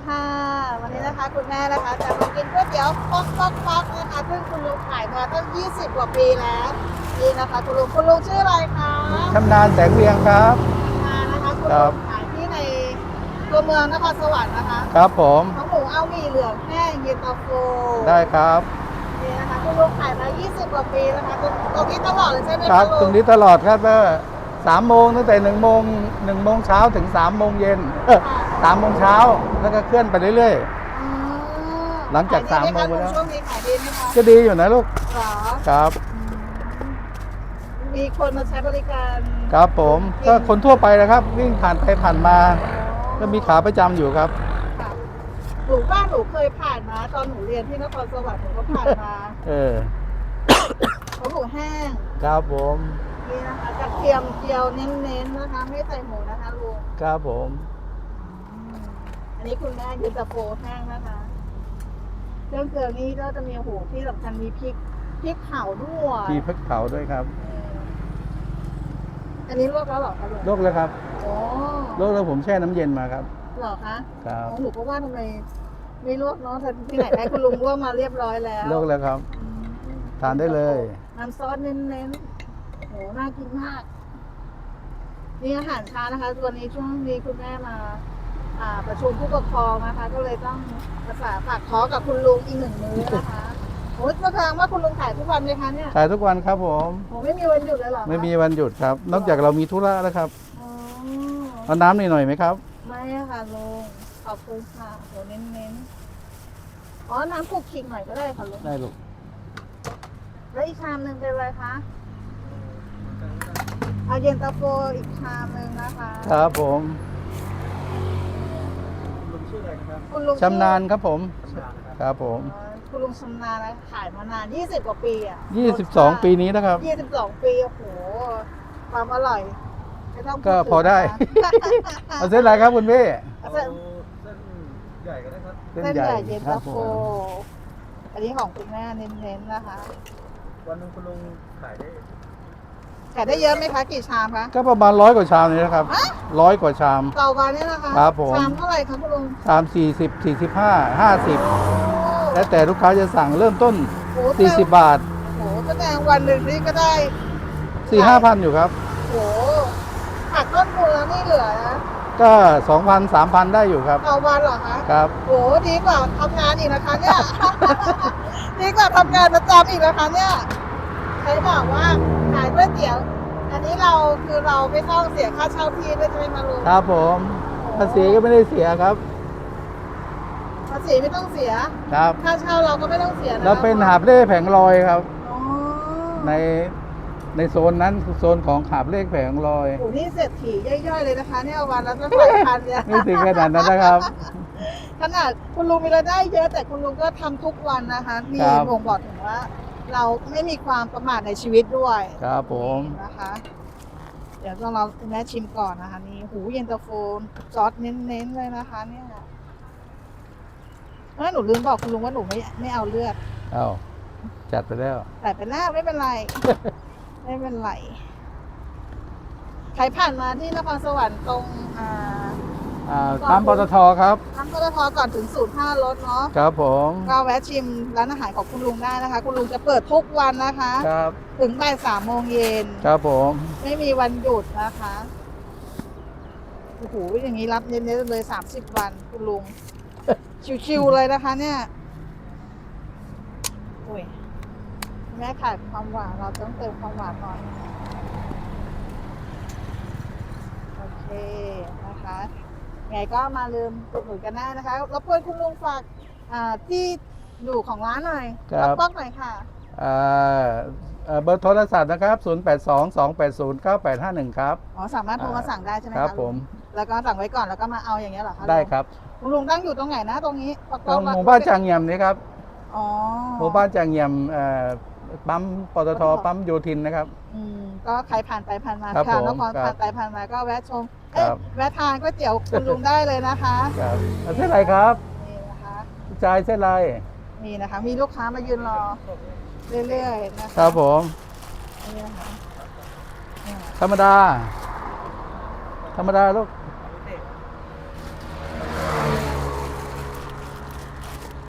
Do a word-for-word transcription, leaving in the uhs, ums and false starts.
ค่ะวันนี้นะคะคุณแม่นะคะจะมากินก๋วยเตี๋ยวป๊อกป๊อกป๊อกนะคะซึ่งคุณลุงขายมาตั้งยี่สิบกว่าปีแล้วนี่นะคะคุณลุงคุณลุงชื่ออะไรคะชำนาญแสงเวียงครับมานะคะคุณครัลุบงขายที่ในตัวเมืองนครสวรรค์นะคะครับผมของหมูเอาหมี่เหลืองแห้งเย็นตาโฟได้ครับนี่นะคะคุณลุงขายมายี่สิบกว่าปีนะคะตรงตรงนี้ตลอดเลยใช่ไหมคคะรับตลุรง งนี้ตลอดครับว่าสามโมงตั้งแต่หนึ่งโมงหนึ่งโมงเช้าถึงสามโมงเย็นสามโมงเช้าแล้วก็เคลื่อนไปเรื่อยอืมหลังจากขยดีไหสามโมงไปแล้วช่วงนี้ขายดีไหมคะๆก็ดีอยู่นะลูกหรอครับมีคนมาใช้บริการครับผมก็คนทั่วไปนะครับ วิ่งผ่านไปผ่านมา ก็มีขาประจำอยู่ครับค่ะหนูบ้านหนูเคยผ่านมาตอนหนูเรียนที่นครสวรรค์หนูก็ผ่านมาเออเขาหมูแห้งครับผมนี่นะคะกระเทียมเจียวเน้นๆนะคะ ไม่ใส่หมูนะคะลุงครับผมอืมอันนี้คุณแม่ยืนตะโฟแห้งนะคะเครื่องเกลือนี่ก็จะมีโอ้โหที่สำคัญมีพริกพริกเผาด้วยมีพริกเผาด้วยครับเอออันนี้ลวกแล้วเหรอคะลุงโรคแล้วครับโอ้โรคแล้วผมแช่น้ำเย็นมาครับเหรอคะครับอ๋อหนูก็ว่าทำไมไม่ลวกเนาะแต่ที่ไหนได้คุณลุงลวกมาเรียบร้อยแล้วโรคแล้วครับอืมทานได้เลยน้ำซอสเน้นๆโหน่ากินมากนี่อาหารเช้านะคะวันนี้ช่วงนี้คุณแม่มา อ่า ประชุมผู้ปกครองนะคะ ก็เลยต้องประสานฝากขอกับคุณลุงอีกหนึ่งมื้อนะคะโอ้ยแสดงว่าคุณลุงขายทุกวันเลยคะเนี่ยขายทุกวันครับผมโอ้ไม่มีวันหยุดเลยเหรอคะไม่มีวันหยุดครับ นอกจากเรามีธุระแล้วครับอ๋อเอาน้ำหน่อยหน่อยไหมครับไม่อะค่ะลุงขอบคุณค่ะโหเน้นๆอ๋อน้ำคลุกคลิกหน่อยก็ได้ค่ะลุงได้ลูกแล้วอีกชามหนึ่งเป็นอะไรคะ เอาเย็นตาโฟอีกชามหนึ่งนะคะครับผมคุณลุงชำนาญครับผม ครับผมอ๋อคุณลุงชำนาญนะขายมานานยี่สิบกว่าปีอ่ะยี่สิบสองปีนี้นะครับยี่สิบสองปีโอ้โหความอร่อยไม่ต้องพูก็ถึงพอได้นะคะเอาเส้นอะไรครับคุณพี่เอาเส้นเส้นใหญ่ก็ได้ครับเส้นใหญ่เย็นครัตาบโฟผมอันนี้ของคุณแม่เน้นๆนะคะวันหนึงคุณลุงขายได้ขายได้เยอะไหมคะกี่ชามคะก็ประมาณร้อยกว่าชามนี่นะครับฮะร้อยกว่าชามต่อวันเนี่ยนะคะครับผมชามเท่าไหร่คะคุณลุงชามสี่สิบสี่สิบห้าห้าสิบแล้วแต่ลูกค้าจะสั่งเริ่มต้นโอ้โหสี่สิบบาทโอ้โหแสดงวันหนึ่งนี่ก็ได้สี่ห้าพันอยู่ครับโอ้โหหักต้นทุนแล้วนี่เหลือนะก็สองพันสามพันได้อยู่ครับต่อวันเหรอคะครับโอ้โหดีกว่าทำงานอีกนะคะเนี่ย ดีกว่าทำงานประจำอีกนะคะเนี่ยใครบอกว่าขายก๋วยเตี๋ยว อันนี้เราคือเราไม่ต้องเสียค่าเช่าที่ด้วยใช่ไหมมาลุงครับผมภาษีก็ไม่ได้เสียครับภาษีไม่ต้องเสียครับค่าเช่าเราก็ไม่ต้องเสียนะเราเป็นหาบเล่แผงลอยครับอ๋อในในโซนนั้นคือโซนของหาบเล่แผงลอยโอ้โหนี่เศรษฐีย่อยๆเลยนะคะเนี่ยวันละตั้งหลายพันเนี่ยไม่ถึงขนาดนั้นนะครับขนาดคุณลุงมีรายได้เยอะแต่คุณลุงก็ทำทุกวันนะคะนี่ครับบ่งบอกถึงว่า เราไม่มีความประมาทในชีวิตด้วยครับผมนี่นะคะ เดี๋ยวต้องเราคุณแม่ชิมก่อนนะคะนี่หูเย็นตาโฟซอสเน้นๆเลยนะคะ เนี่ยเออหนูลืมบอกคุณลุงว่าหนูไม่ไม่เอาเลือดเอาจัดไปแล้วแต่เป็นหน้าไม่เป็นไร ไม่เป็นไรใครผ่านมาที่นครสวรรค์ตรงอ่าอ่าปั๊มปตทครับน้ำปตทก่อนถึงศูนย์ท่ารถเนาะครับผมก็แวะชิมร้านอาหารของคุณลุงได้นะคะ คุณลุงจะเปิดทุกวันนะคะครับถึงบ่ายสามโมงเย็นครับผมไม่มีวันหยุดนะคะโอ้โหอย่างนี้รับเน้นๆเลยสามสิบวันคุณลุง ชิวๆเลยนะคะ เนี่ยโอ้ยแม่ขายความหวานเราต้องเติมความหวานหน่อยโอเคนะคะไงก็มาลืมอุดหนุนกันได้นะคะรบกวนคุณลุงฝากอ่าที่อยู่ของร้านหน่อยครับป๊อกๆหน่อยค่ะอ่าเอ่อเบอร์โทรศัพท์นะครับศูนย์แปดสอง สองแปดศูนย์ เก้าแปดห้าหนึ่งครับอ๋อสามารถโทรมาสั่งได้ใช่ไหมคคะรับผมแล้วก็สั่งไว้ก่อนแล้วก็มาเอาอย่างเงี้ยเหรอคะได้ครับคุณลุงตั้งอยู่ตรงไหนนะตรงนี้ป๊อกตรงๆหมู่บ้านจางเยี่ยมนี่ครับอ๋อหมู่บ้านจางเยี่ยมเอ่อปั๊มปตทปั๊มโยธินนะครับอืมก็ใครผ่านไปผ่านมาครับค่ะผมนครครับผ่านไปผ่านมาก็แวะชมเอ้ยครับแวะทานก๋วยเตี๋ยวคุณลุงได้เลยนะคะครับเอาเส้นอะไรครับนี่นะคะจ่ายเส้นอะไรนี่นะคะ มีลูกค้ามายืนรอเรื่อยๆนะคะครับผมนี่นะคะธรรมดา ธรรมดาลูก